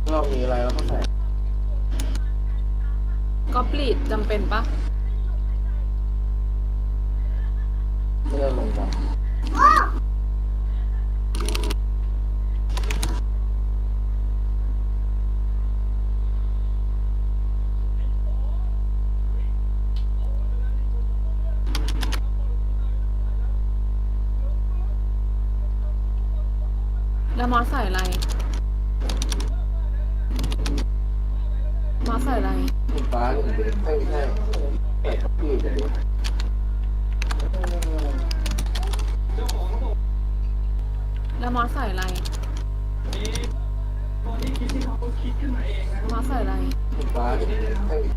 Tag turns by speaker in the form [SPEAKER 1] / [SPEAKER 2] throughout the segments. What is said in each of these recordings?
[SPEAKER 1] เรามีอะไรเราก็ใส่
[SPEAKER 2] ก็ปลีดจำเป็นปะ
[SPEAKER 1] เพื่อลงมา
[SPEAKER 2] แล้วมอสใส่อะไรมอสใส่อะไร
[SPEAKER 1] คุณป้าหนึ่งเด็กไม่ใช่เอ็ดพี่เด็ก
[SPEAKER 2] แล้วมอสใส่อะไรมอสใส่อะไร
[SPEAKER 1] คุณป้าหนึ่งเด็กไม่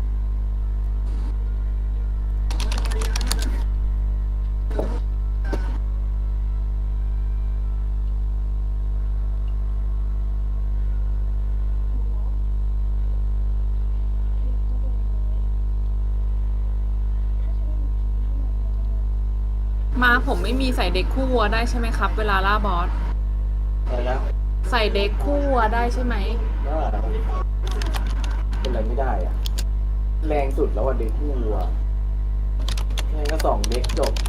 [SPEAKER 2] มาผมไม่มีใส่เด็กคู่วัวได้ใช่ไหมครับเวลาล่าบอส
[SPEAKER 1] อะไรนะ
[SPEAKER 2] ใส่เด็กคู่วัวได้ใช่ไหม
[SPEAKER 1] ก็เป็นอะไรไม่ได้อะแรงสุดแล้วอ่ะเด็กคู่วัวงั้นก็2เด็กจบ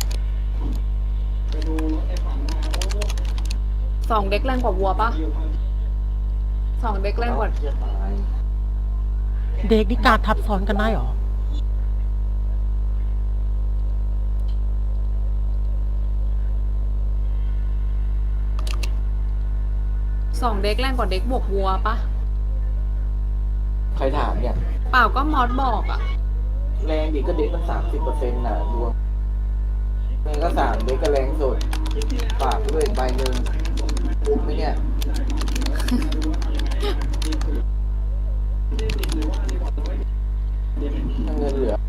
[SPEAKER 2] 2เด็กแรงกว่าวัวปะ2เด็กแรงกว่า
[SPEAKER 1] เทียบตาย
[SPEAKER 3] เด็กนี่การทับซ้อนกันได้หรอ
[SPEAKER 2] 2เด็กแรงกว่าเด็กบวกวัวปะ
[SPEAKER 1] ใครถามเนี่ย
[SPEAKER 2] เปล่าก็มอสบอกอะ
[SPEAKER 1] แรงดีก็เด็กมัน30%น่ะรวมแรงก็3เด็กก็แรงสุดฝากด้วยใบหนึ่งปุ๊บไหมเนี่ยถ้าเงินเหลือ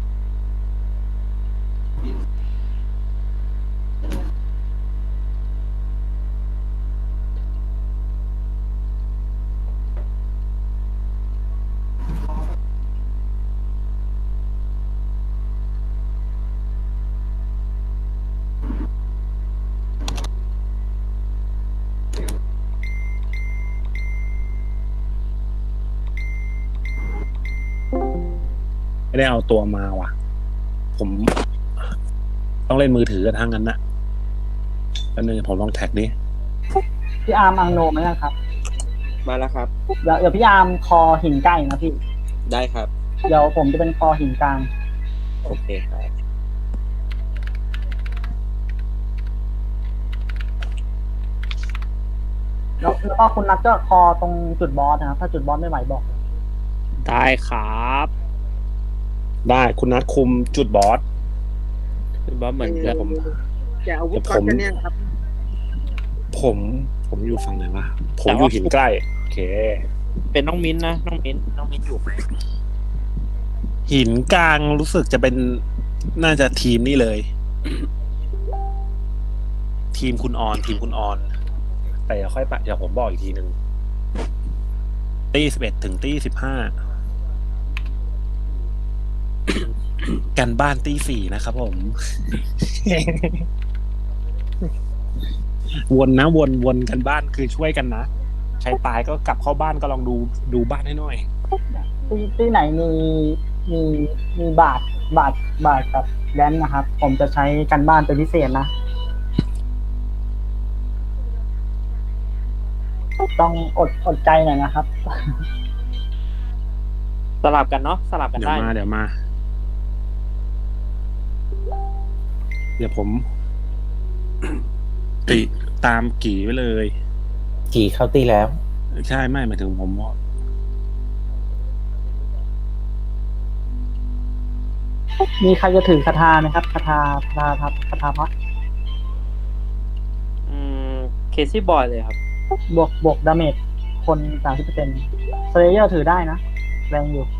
[SPEAKER 4] ไม่ได้เอาตัวมาว่ะผมต้องเล่นมือถือกันทั้งนั้นนะแล้วนึงผมลองแท็กดิ
[SPEAKER 5] พี่อาร์มอังโนไหมครับ
[SPEAKER 6] มาแล้วครับ
[SPEAKER 5] เดี๋ยวพี่อาร์มคอหินใกล้นะพี่
[SPEAKER 6] ได้ครับ
[SPEAKER 5] เดี๋ยวผมจะเป็นคอหินกลาง
[SPEAKER 6] โอเคครับ
[SPEAKER 5] แล้วก็คุณนัทก็คอตรงจุดบอสนะครับถ้าจุดบอสไม่ไหวบอก
[SPEAKER 4] ได้ครับได้คุณนัดคุมจุดบอส
[SPEAKER 6] คุณบอสเหมือนเดิม
[SPEAKER 5] จะอาวุธก่อนกันเนี่ยครับ
[SPEAKER 4] ผมอยู่ฝั่งไหนวะผมอยู่หินใกล้โอเค
[SPEAKER 6] เป็นน้องมิ้นนะน้องมิ้นอยู่ไหม
[SPEAKER 4] หินกลางรู้สึกจะเป็นน่าจะทีมนี่เลย ทีมคุณออนแต่อย่าค่อยปะเดี๋ยวผมบอกอีกทีหนึ่งตี11ถึงตี15กันบ้านตี4นะครับผม วนนะวนกันบ้านคือช่วยกันนะใครตายก็กลับเข้าบ้านก็ลองดูบ้านให้หน่อย
[SPEAKER 5] ที่ไหนมีบาทกับแดนนะครับ ผมจะใช้กันบ้านเป็นพิเศษนะ ต้องอดใจหน่อยนะครับ
[SPEAKER 6] สลับกันเนาะสลับกัน
[SPEAKER 4] เดี๋ยว
[SPEAKER 6] ได้
[SPEAKER 4] มาเดี๋ยวผม ติตามกี่ไปเลย
[SPEAKER 6] กี่เข้าตีแล้ว
[SPEAKER 4] ใช่ไม่หมายถึงผม
[SPEAKER 5] มีใครจะถือคาถาไหมครับคาถาพัด
[SPEAKER 6] เคซี่บอยเลยครับ
[SPEAKER 5] บวกดาเมจคน 30%เซเลเยอร์ถือได้นะ แรงอยู่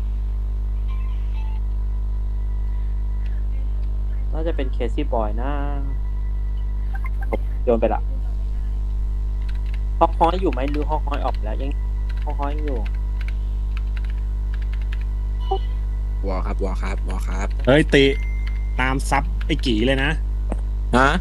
[SPEAKER 6] น่าจะเป็นเคซี่บอยนะโยนไปละฮอกฮอยอยู่ไหมหรือฮอกฮอยออกแล้วยังฮอกฮอยอยู่
[SPEAKER 7] วอครับ
[SPEAKER 4] เฮ้ยติตามซับไอ้กี่เลยนะ
[SPEAKER 7] ฮะ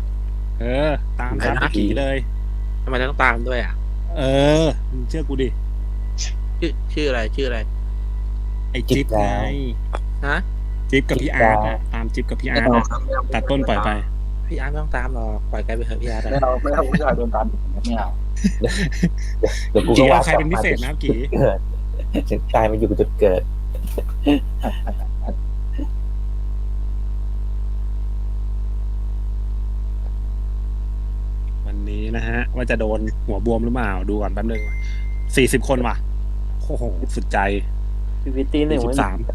[SPEAKER 4] ตามซับไอ้กี่เลย
[SPEAKER 7] ทำไมต้องตามด้วยอ่ะ
[SPEAKER 4] มึงเชื่อกูดิ
[SPEAKER 7] ชื่ออะไร
[SPEAKER 4] ไอ้จิ๊บไง
[SPEAKER 7] ฮะ
[SPEAKER 4] จิ๊บกับพี่อาร์ตอะตามจิ๊บกับพี่อาร์ตอะตัดต้นปล่อยไป
[SPEAKER 7] พี่อาร์ตไม่ต้องตามหรอกปล่อยแกไปเถอะพี่อาร์ตอะ
[SPEAKER 5] ไม่เอาผู้ชายโดนตามไม่เอา
[SPEAKER 8] เดี๋ยวกู
[SPEAKER 4] กี่
[SPEAKER 8] ก็
[SPEAKER 4] เอา
[SPEAKER 8] ว่า
[SPEAKER 4] ใครเป็นพิเศษนะกี่
[SPEAKER 8] เกิดถึงตายมาอยู่จุดเกิด
[SPEAKER 4] วันนี้นะฮะ ว่าจะโดนหัวบวมหรือเปล่าดูก่อนแป๊บนึง40 คนว่ะโอ้โหสุดใจ
[SPEAKER 6] พีพีตีหนึ่งไว้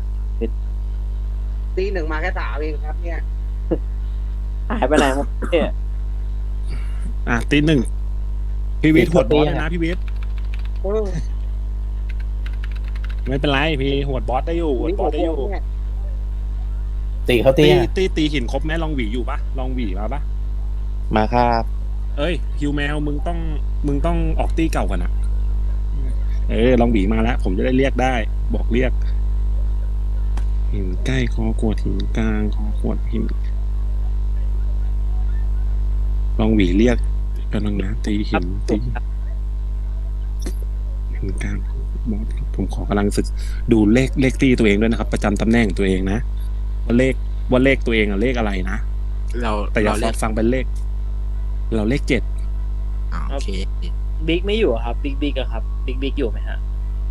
[SPEAKER 4] 43
[SPEAKER 1] ตีหนึ่งมาแค่3เองครับเนี่ย
[SPEAKER 6] หายไปไหนหมดเนี่ย
[SPEAKER 4] อ่ะตีหนึ่งพี่วิทย์หวดบอสเลยนะพี่วิทย์ไม่เป็นไรพี่หวดบอสได้อยู่หวดบอสได้อยู่
[SPEAKER 8] ตีเขาตี
[SPEAKER 4] ตีหินครบไหมลองหวีอยู่ปะลองหวีมาปะ
[SPEAKER 8] มาครับ
[SPEAKER 4] เอ้ยฮิวแมวมึงต้องออกตีเก่ากันอะลองหวีมาแล้ว ผมจะได้เรียกได้ บอกเรียกหินใกล้คอขวดหินกลางคอขวดหินลองหวีเรียกกันนะตีหินตีหินกลางบอสผมขอกำลังศึกดูเลขตีตัวเองด้วยนะครับ ประจำตำแหน่งตัวเองนะว่าเลขตัวเองอะเลขอะไรนะ แต่อย่าฟังเป็นเลข เราเลข7
[SPEAKER 7] โอเค
[SPEAKER 6] บิ๊กไม่อยู่ครับบิ๊กอะครับบิ๊กอยู่ไหมฮะ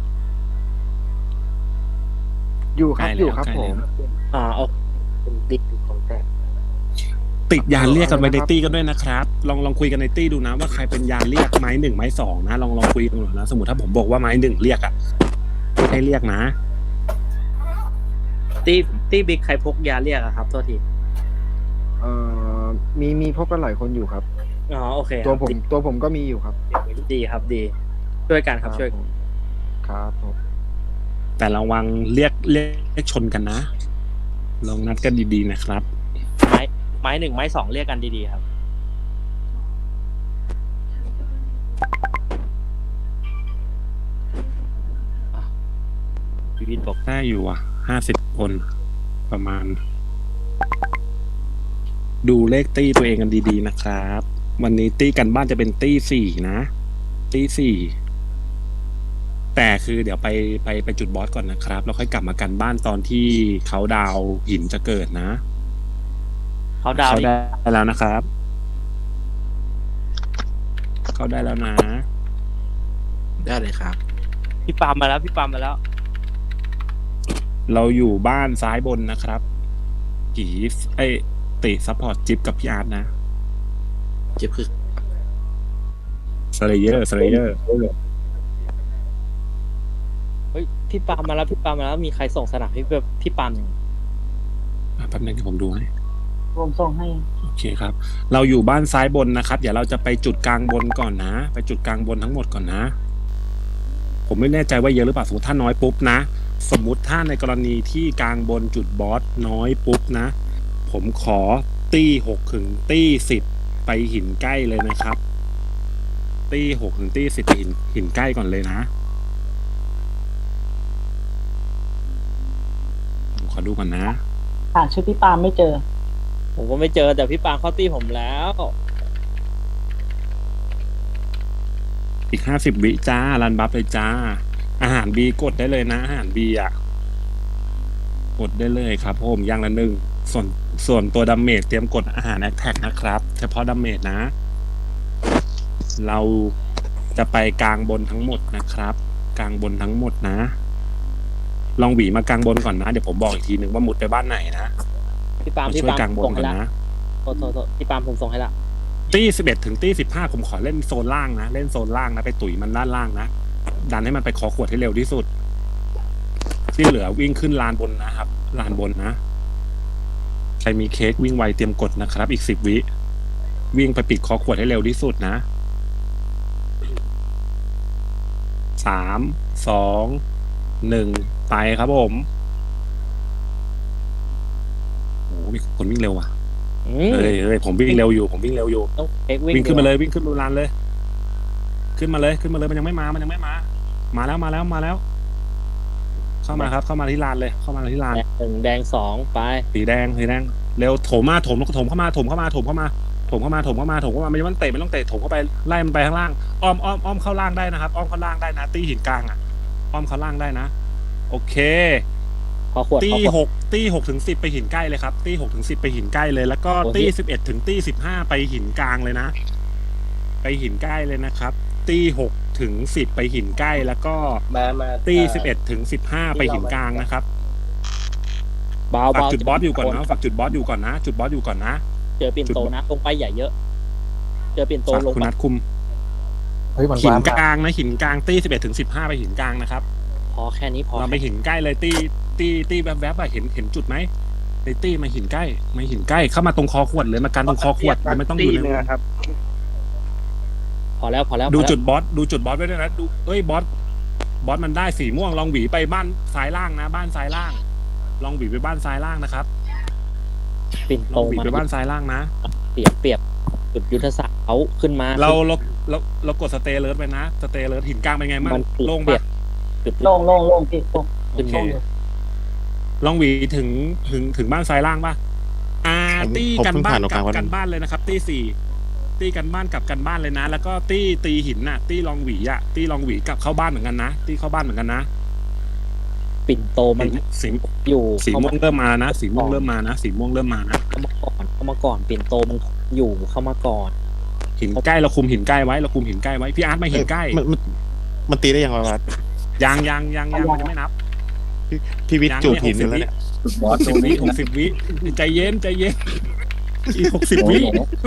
[SPEAKER 7] อยู่ครับผม
[SPEAKER 6] เอาเป็นบิ๊กของแต่
[SPEAKER 4] ติดยานเรียกกันไว้ในตี้กันด้วยนะครับลองคุยกันในตี้ดูนะว่าใครเป็นยานเรียกไม้1ไม้2นะลองคุยกันหน่อยนะสมมติถ้าผมบอกว่าไม้1เรียกอะให้เรียกนะ
[SPEAKER 6] ตีบิ๊กใครพกยาเรียกอะครับโทษที
[SPEAKER 9] มีพบกันหลายคนอยู่ครับ
[SPEAKER 6] โอเค
[SPEAKER 9] ตัวผมก็มีอยู่ครับ
[SPEAKER 6] ดีครับดีช่วยกันครับช่วย
[SPEAKER 9] ครับผม
[SPEAKER 4] แต่ระวังเรียกชนกันนะลองนัดกันดีๆนะครับ
[SPEAKER 6] ไม้1ไม้2เรียกกันดีๆครับ พีพีบอก
[SPEAKER 4] ได้อยู่อ่ะ50 คนประมาณ ดูเลขตี้ตัวเองกันดีๆนะครับ วันนี้ตี้กันบ้านจะเป็นตี้4นะตี้4แต่คือเดี๋ยวไปจุดบอสก่อนนะครับแล้วค่อยกลับมากันบ้านตอนที่เขาดาวหินจะเกิดนะ
[SPEAKER 6] เขาดาว
[SPEAKER 4] เขาได้แล้วนะครับ เขาได้แล้วนะ
[SPEAKER 7] ได้เลยครับ
[SPEAKER 6] พี่ปามมาแล้ว
[SPEAKER 4] เราอยู่บ้านซ้ายบนนะครับกี่ติซัพพอร์ตจิ๊บกับพี่อาร์ตนะ
[SPEAKER 7] เจ็บคือ
[SPEAKER 4] สเลเยอร์
[SPEAKER 6] เฮ้ยพี่ปามมาแล้วมีใครส่งสนับให้พี่ปาม
[SPEAKER 4] แป๊บนึงเดี๋ยวผมดูให้
[SPEAKER 5] ผมส่งให้
[SPEAKER 4] โอเคครับ เราอยู่บ้านซ้ายบนนะครับเดี๋ยวเราจะไปจุดกลางบนก่อนนะ ไปจุดกลางบนทั้งหมดก่อนนะ ผมไม่แน่ใจว่าเยอะหรือเปล่าสมมติถ้าน้อยปุ๊บนะสมมุติถ้าในกรณีที่กลางบนจุดบอสน้อยปุ๊บนะผมขอตี้6ถึงตี้10ไปหินใกล้เลยนะครับตี้6ถึงตี้10ไปหินใกล้ก่อนเลยนะผมขอดูก่อนนะ
[SPEAKER 5] ชื่อพี่ปาล์มไม่เจอ
[SPEAKER 6] ผมก็ไม่เจอแต่พี่ปามเข้าตี้ผมแล้ว
[SPEAKER 4] อีก50 วิจ้ารันบัฟเลยจ้าอาหารบีกดได้เลยนะอาหารบีอ่ะกดได้เลยครับผมอย่างละ1ส่วนตัวดาเมจเตรียมกดอาหารแอคแท็กนะครับเฉพาะดาเมจนะเราจะไปกลางบนทั้งหมดนะครับกลางบนทั้งหมดนะลองหวีมากลางบนก่อนนะเดี๋ยวผมบอกอีกทีหนึ่งว่ามุดไปบ้านไหนนะ
[SPEAKER 6] พี่ปาม
[SPEAKER 4] ช่วยกลางบนก่อนนะ
[SPEAKER 6] โทษพี่ปามผมส่งให้ละ
[SPEAKER 4] ตี้11ถึงตี้15ผมขอเล่นโซนล่างนะเล่นโซนล่างนะไปตุ๋ยมันด้านล่างนะดันให้มันไปขอขวดให้เร็วที่สุดที่เหลือวิ่งขึ้นลานบนนะครับลานบนนะใครมีเค้กวิ่งไวเตรียมกดนะครับอีก10 วิวิ่งไปปิดขอขวดให้เร็วที่สุดนะ3 2 1ไปครับผมโอ้มีคนวิ่งเร็วว่ะเฮ้ยผมวิ่งเร็วอยู่
[SPEAKER 6] ต้อง
[SPEAKER 4] วิ่งขึ้นมาเลยวิ่งขึ้นลานเลยขึ้นมาเลยมันยังไม่มามาแล้วเข้ามาครับเข้ามาที่ลานเลยเข้ามาที่ลาน
[SPEAKER 6] 1แดง2ไป
[SPEAKER 4] สีแดงเร็วโถมเข้ามาไม่ต้องเตะไม่ต้องเตะโถมเข้าไปไล่มันไปข้างล่างอ้อมเข้าล่างได้นะครับอ้อมเข้าล่างได้นะตีหินกลางอ่ะอ้อมเขาล่างได้นะ โอเค
[SPEAKER 6] ขอขวด
[SPEAKER 4] ตี
[SPEAKER 6] ขอขวด
[SPEAKER 4] 6ถึง10ไปหินใกล้เลยครับตี6ถึง10ไปหินใกล้เลย แล้วก็
[SPEAKER 6] โอ้ย
[SPEAKER 4] ตี11ถึงตี15ไปหินกลางเลยนะ ไปหินใกล้เลยนะครับตี6ถึง10ไปหินใกล้แล้วก็
[SPEAKER 1] มา
[SPEAKER 4] ตี11ถึง15ไปหินกลางนะครับ
[SPEAKER 6] เบา
[SPEAKER 4] ฝาก
[SPEAKER 6] เบา
[SPEAKER 4] จุดบอสอยู่ก่อนนะฝากจุดบอสอยู่ก่อนนะ จุดบอสอยู่ก่อนนะ
[SPEAKER 6] เจอปิ่นโตนะลงไปใหญ่เยอะ เจอปิ่นโต
[SPEAKER 4] ฝาก
[SPEAKER 6] ลง
[SPEAKER 4] คุณ
[SPEAKER 6] ไป
[SPEAKER 4] นัทคุม
[SPEAKER 8] เฮ้ยมัน
[SPEAKER 4] หิน
[SPEAKER 8] ว้าม
[SPEAKER 4] กลางนะหินกลางตี11ถึง15ไปหินกลางนะครับ
[SPEAKER 6] พอแค่นี้พอ
[SPEAKER 4] เราไปหินใกล้เลยตีแวบๆอะเห็นจุดไหมในตีมาหินใกล้มาหินใกล้เข้ามาตรงคอขวดเลยมากันตรงคอขวดเราไม่ต้องอยู่ในวง
[SPEAKER 6] พอแล้วพอแล้ว
[SPEAKER 4] ดู
[SPEAKER 6] พอแล้ว
[SPEAKER 4] จุดบอสไว้ด้วยนะดูเอ้ยบอสมันได้สีม่วงลองหวีไปบ้านซ้ายล่างนะ บ้านซ้ายล่าง ลองหวีไปบ้านซ้ายล่างนะครับ
[SPEAKER 6] ปิ่น
[SPEAKER 4] ล
[SPEAKER 6] โต
[SPEAKER 4] องหวี
[SPEAKER 6] มา
[SPEAKER 4] ไปบ้านซ้ายล่างนะ
[SPEAKER 6] เปรียบจุดยุทธศาสตร์เขาขึ้นมา
[SPEAKER 4] เรากดสเตย์เลิร์ไปนะสเตย์เลิร์หินกลางเป็นไงบ้าง
[SPEAKER 6] มัน
[SPEAKER 4] โล่ง
[SPEAKER 6] เปรี
[SPEAKER 4] ปะ
[SPEAKER 6] ยบจุด
[SPEAKER 5] โล่งโล่งโล่งพี่โล่ง
[SPEAKER 4] โอ
[SPEAKER 6] ขึ้น
[SPEAKER 4] เค
[SPEAKER 6] มา
[SPEAKER 4] ลองหวีถึงบ้านซ้ายล่างปะตีกันบ้านกับกันบ้านเลยนะครับตีกันบ้านกับกันบ้านเลยนะ แล้วก็ตีหินน่ะตีลองหวีอ่ะตีลองหวีกลับเข้าบ้านเหมือนกันนะตีเข้าบ้านเหมือนกันนะ
[SPEAKER 6] ปิ่นโตมัน
[SPEAKER 4] สี
[SPEAKER 6] อยู่
[SPEAKER 4] สีม่วงเริ่มมานะสีม่วงเริ่มมานะสีม่วงเริ่มมานะ
[SPEAKER 6] เข้ามาก่อนปิ่นโตมันอยู่เข้ามาก่อน
[SPEAKER 4] หินใกล้เราคุมหินใกล้ไว้เราคุมหินใกล้ไว้พี่อาร์ตมาหินใกล้
[SPEAKER 8] มันตีได้ยังไงวะ
[SPEAKER 4] ยังมันยังไม่นับ
[SPEAKER 8] พี่วิทย์จูดหินอยู่แล้วเนี่ย
[SPEAKER 4] 60 วิใจเย็นอีก60 วิ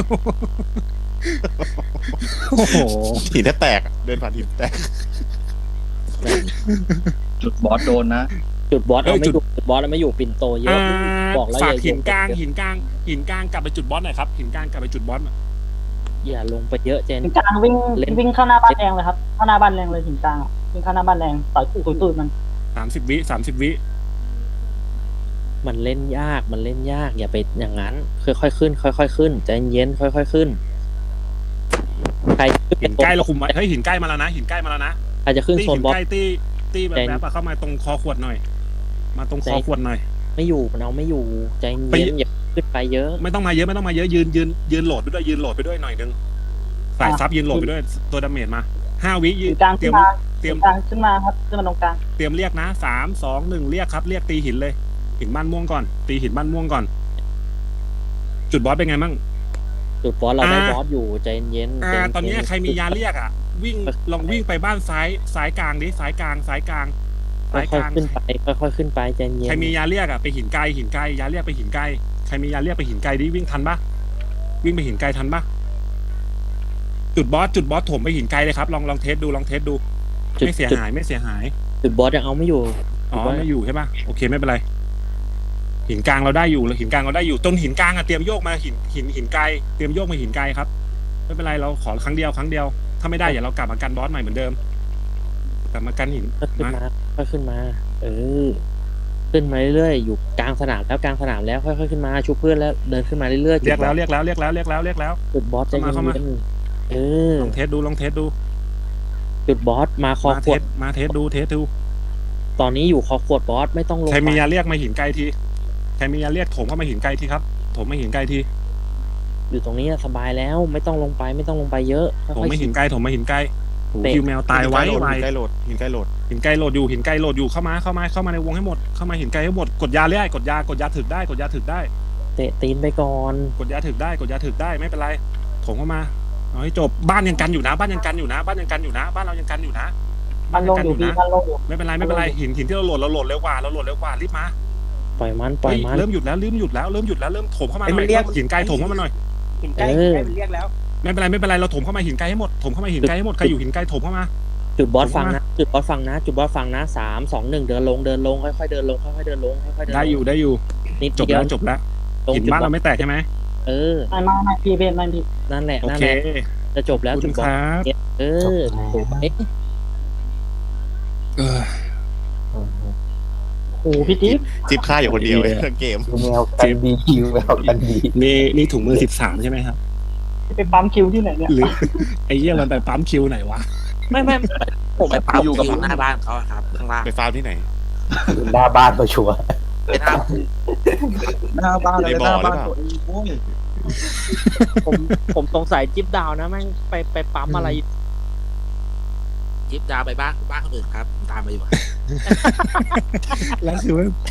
[SPEAKER 4] โอ้โห
[SPEAKER 8] หินแทบแตกอะเดินผ่านหินแตก
[SPEAKER 6] จุดบอสเราไม่อยู่จุดบอสเราไม่อยู่ปิ่นโตเยอะบอกแล้ว
[SPEAKER 4] ฝาก
[SPEAKER 6] อย่า
[SPEAKER 4] หินกลางกลับไปจุดบอสหน่อยครับหินกลางกลับไปจุดบอส
[SPEAKER 6] อย่าลงไปเยอะเจน
[SPEAKER 5] หินกลางวิ่งเข้าหน้าบ้านแดงเลยครับเข้าหน้าบ้านแดงเลยหินกลางวิ่งเข้าหน้าบ้านแดงต่อยตุ้ยมัน
[SPEAKER 4] 30 วิ
[SPEAKER 6] มันเล่นยากอย่าไปอย่างนั้นค่อยๆขึ้นใจเย็นค่อยๆขึ้นใคร
[SPEAKER 4] หินใกล้เราคุมไว้เฮ้ยหินใกล้มาแล้วนะ
[SPEAKER 6] ใครจะขึ้นโซนบอส
[SPEAKER 4] ใกล้ตีแบบเข้ามาตรงคอขวดหน่อยมาตรงคอขวดหน่อย
[SPEAKER 6] ไม่อยู่มันเอาไม่อยู่ใจเย็นอย่าขึ้นไปเยอะ
[SPEAKER 4] ไม่ต้องมาเยอะยืนโหลดไปด้วยหน่อยนึงสายซับยืนโหลดไปด้วยตัวดาเมจมา5 วิยื
[SPEAKER 5] หิ
[SPEAKER 4] น
[SPEAKER 5] นกลาง
[SPEAKER 4] เตรี
[SPEAKER 5] ขึ้
[SPEAKER 4] ย
[SPEAKER 5] น
[SPEAKER 4] ม
[SPEAKER 5] มาขึ้นมาครับขึ้นมาตรงกลาง
[SPEAKER 4] เตรียมเรียกนะ3 2 1เรียกครับเรียกตีหินเลยหินบ้านม่วงก่อนตีหินบ้านม่วงก่อน จุดบอสเป็นไงมั่ง
[SPEAKER 6] จุดบอสเราได้บอสอยู่ใจเย็น
[SPEAKER 4] ตอนนี้ใครมียาเรียกอ่ะลองวิ่งไปบ้านซ้ายกลางดิซ้ายกลาง
[SPEAKER 6] ค่อยๆขึ้นไปใจเย็น
[SPEAKER 4] ใครมียาเรียกอ่ะไปหินไกลยาเรียกไปหินไกลใครมียาเรียกไปหินไกลดิวิ่งทันปะวิ่งไปหินไกลทันปะจุดบอสถมไปหินไกลเลยครับลองเทสดูไม่เสียหาย
[SPEAKER 6] จุดบอสยังเอาไม่อยู่
[SPEAKER 4] อ๋อไม่อยู่ใช่ปะโอเคไม่เป็นไรหินกลางเราได้อยู่ต้นหินกลางอ่ะเตรียมโยกมาหินไกลเตรียมโยกมาหินไกลครับไม่เป็นไรเราขอครั้งเดียวถ้าไม่ได้อย่าเรากลับมากันบอสใหม่เหมือนเดิมกลับมากันหิน
[SPEAKER 6] ค่อยขึ้นมาขึ้นมาเรื่อยๆอยู่กลางสนามแล้วค่อยๆขึ้นมาชูเพื่อนแล้วเดินขึ้นมาเรื่อยๆ
[SPEAKER 4] เรียกแล้ว
[SPEAKER 6] จุดบอสใจเย็น
[SPEAKER 4] ลองเทสดู
[SPEAKER 6] จุดบอสมาคอขวด
[SPEAKER 4] มาเทสดู
[SPEAKER 6] ตอนนี้อยู่คอขวดบอสไม่ต้องลง
[SPEAKER 4] ใครมียาเรียกมาหินไกลทีใครมียาเรียกถมเข้ามาหินไกลทีครับถมมาหินไกลที
[SPEAKER 6] อยู่ตรงนี้สบายแล้วไม่ต้องลงไปเยอะ
[SPEAKER 4] ถมมาหินไกลคิวแมวตายไว้
[SPEAKER 8] หินใกล้โหลด
[SPEAKER 4] หินไกลโหลดอยู่เข้ามาในวงให้หมดเข้ามาหินไกลให้หมดกดยาเรียกกดยาถึกได้
[SPEAKER 6] เตะตีนไปก่อน
[SPEAKER 4] กดยาถึกได้ไม่เป็นไรถมเข้ามาเอาให้จบบ้านยังกันอยู่นะบ้านเรายังกันอยู่นะ
[SPEAKER 5] มันลงอยู่พี่มันลงอยู่
[SPEAKER 4] ไม่เป็นไรหินที่เราโหลดเร็วกว่ารีบมา
[SPEAKER 6] ปล่อยมัน
[SPEAKER 4] เริ่มหยุดแล้วเริ่มถมเข้ามาหน่อยหินไกลถมเข้ามาหน่อย
[SPEAKER 1] หินใกล้มันเรียกแล้ว
[SPEAKER 4] ไม่เป็นไรเราถมเข้ามาหินไกลให้หมดใครอยู่หินไกลถมเข้ามา
[SPEAKER 6] จุดบอสฟังนะ3 2 1เดินลงค่อยๆเดินลง
[SPEAKER 4] ได้อยู่จบแล้วหินบ้านเราไม่แตกใช่ไหม
[SPEAKER 5] ไม่พี่
[SPEAKER 6] นั่นแหละจะจบแล้วจุดบอส
[SPEAKER 5] โอ้พี่
[SPEAKER 8] จิ๊บฆ่าอยู่คนเดียวเลยทั้งเกม
[SPEAKER 5] แมวกันดีคิวแมวกันดี
[SPEAKER 4] นี่ถุงมือ13ใช่ไหมครับ
[SPEAKER 5] ไปปั๊มคิวที่ไหนเนี่ย
[SPEAKER 4] หรือไอ้เหี้ยมันไปปั๊มคิวไหนวะ
[SPEAKER 6] ไม่
[SPEAKER 7] ผมไปปั๊มอยู่กับหน้าบ้านเขาครับข้างล่าง
[SPEAKER 8] ไปฟาร์มที่ไหน
[SPEAKER 5] หน้าบ้านตัวชัว
[SPEAKER 1] หน้าบ้านเลยหน้าบ้านตัวเอง
[SPEAKER 6] ผมสงสัยจิ๊บดาวนะแม่งไปปั๊มอะไร
[SPEAKER 7] จิ๊บดาวไปบ้านคนอื่นครับ ตามมาอยู่
[SPEAKER 4] แล้วคือว่า